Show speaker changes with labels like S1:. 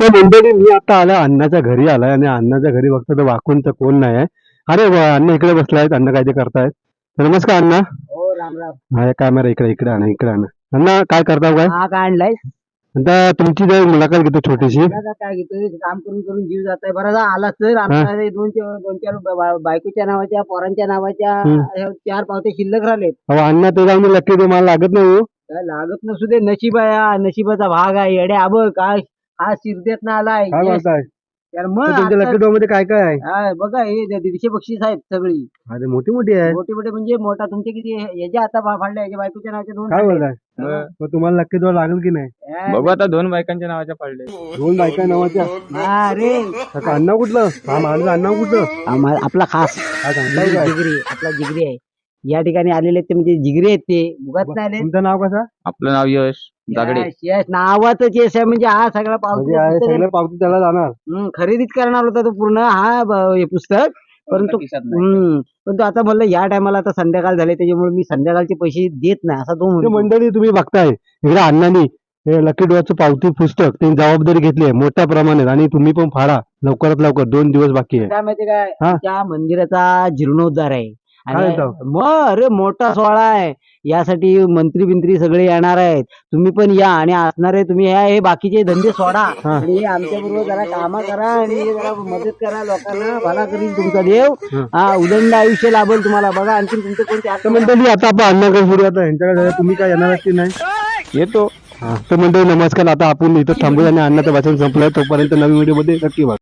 S1: तर मंडळी मी आता आला अण्णाच्या घरी आलाय आणि अण्णाच्या घरी बघतो तर वाकून तर कोण नाही आहे. अरे अण्णा इकडे बसलायत, अण्णा काय ते करतायत. तर नमस्कार अण्णा.
S2: हो राम राम.
S1: हा कॅमेरा इकडे इकडे आणा, इकडे आणा. अण्णा काय करता काय?
S2: हा काय आणलाय?
S1: आता तुमची जर मुलाखत घेतो छोटीशी.
S2: आता काय घेतोय, काम करून करून जीव जात आहे. बरं आला तर आपल्याला दोन चार बायकोच्या नावाच्या, पोरांच्या नावाच्या ह्या 4 पावते शिल्लक राहिलेत.
S1: अहो अण्णा ते जाऊन लक्की ते मला लागत नाही हो.
S2: काय लागत नसू दे, नशीब आहे हा, नशिबाचा भाग आहे. येडे आबळ काय हा शिरदेत ना आलाय.
S1: काय बोलताय?
S2: तर
S1: तर
S2: मग
S1: तुमच्या लकी ड्रॉ मध्ये काय काय आहे?
S2: हा, बघा हे 150 बक्षीस आहेत सगळी.
S1: अरे मोठी मोठी आहे.
S2: मोठे मोठे म्हणजे मोठा तुमचे किती याच्या आता फाडल्या, याच्या बायकोच्या नावाच्या 2
S1: काय बोलताय? मग तुम्हाला लकी ड्रॉ लागेल की नाही?
S3: बघू आता 2 बायकांच्या नावाच्या पडले.
S1: 2 बायका नावाच्या.
S2: अरे
S1: काका अण्णा कुठलं? हा माझं अण्णा कुठलं?
S2: आपला खास
S1: काय सांगताय काय?
S2: जिगरी, आपला जिगरी आहे. या ठिकाणी आलेले ते म्हणजे जिगरी आहेत, ते उगाच नाही आले.
S1: तुमचं नाव कसं?
S3: आपलं नाव यश जागडे.
S2: यश नावातच यश आहे, म्हणजे हा सगळा
S1: म्हणजे आहे
S2: पावती
S1: सगळं पावती त्याला जाणार.
S2: खरेदीच करणार होता तो पूर्ण हा हे पुस्तक. परंतु परंतु आता म्हणलं या टायमाला आता संध्याकाळ झाले, त्याच्यामुळे मी संध्याकाळचे पैसे देत नाही असा तो
S1: ते
S2: म्हणतो.
S1: मंडळी तुम्ही बघताय इकडे अण्णांनी हे लकी ड्रॉचं पावती पुस्तक ते जबाबदारी घेतली आहे मोठ्या प्रमाणात आणि तुम्ही पण फाडा लवकरात लवकर. 2 दिवस बाकी आहे.
S2: काय माहिती काय,
S1: हा?
S2: त्या मंदिराचा जीर्णोद्धार आहे.
S1: काय
S2: आणि
S1: म्हणतो?
S2: मग अरे मोठा सोहळा आहे, यासाठी मंत्री बिंत्री सगळे येणार आहेत. तुम्ही पण या आणि असणार आहे. तुम्ही हे बाकीचे धंदे सोडा
S1: हा.
S2: आणि आमच्या बरोबर जरा कामं करा आणि जरा मदत करा लोकांना. भला करील तुमचा देव. हा उदंड आयुष्य लाभेल तुम्हाला. बघा आणखी तुमचं कोणते
S1: तर मंडळी आता आपण अण्णाकडे फिरू. आता यांच्याकडे जाऊया. तुम्ही काय येणार की नाही?
S3: येतो.
S1: तर मंडळी नमस्कार. आता आपण इथं थांबूया आणि अण्णाचं भाषण संपलंय. तोपर्यंत नवीन व्हिडिओ मध्ये नक्की बघा.